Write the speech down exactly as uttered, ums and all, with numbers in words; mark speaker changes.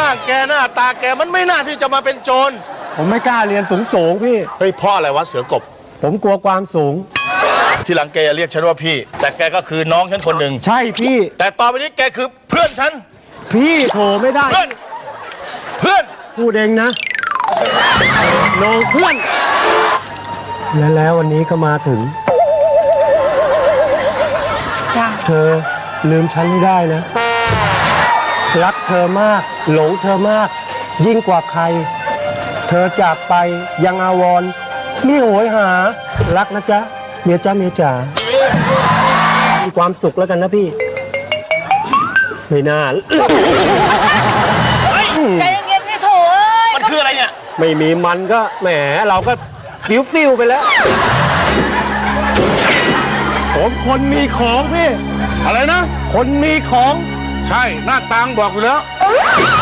Speaker 1: างแกหน้าตาแกมันไม่น่าที่จะมาเป็นโจร
Speaker 2: ผมไม่กล้าเรียนสูงสูงพี่
Speaker 1: เฮ้ยพ่ออะไรวะเสือกบ
Speaker 2: ผมกลัวความสูง
Speaker 1: ทีหลังแกอย่าเรียกฉันว่าพี่แต่แกก็คือน้องฉันคนหนึ่ง
Speaker 2: ใช่พี่
Speaker 1: แต่ต่อไปนี้แกคือเพื่อนฉัน
Speaker 2: พี่โถไม่ได้
Speaker 1: เพื่อนเพื่อน
Speaker 2: พูดเองนะน้องเพื่อนและแล้ววันนี้ก็มาถึงเธอลืมฉันไม่ได้นะรักเธอมากหลงเธอมากยิ่งกว่าใครเธอจากไปยังอาวรณ์มิโหยหารักนะจ๊ะเมียจ้าเมียจ๋ามีความสุขแล้วกันนะพี่ไม่น่า
Speaker 3: ใจเย็นๆนี่โถเอ้ย
Speaker 1: มันคืออะไรเนี่ย
Speaker 2: ไม่มีมันก็แหมเราก็ฟิวฟิวไปแล้วผมคนมีของพี่
Speaker 1: อะไรนะ
Speaker 2: คนมีของ
Speaker 1: ใช่หน้าตางบอกอยู่แล้ว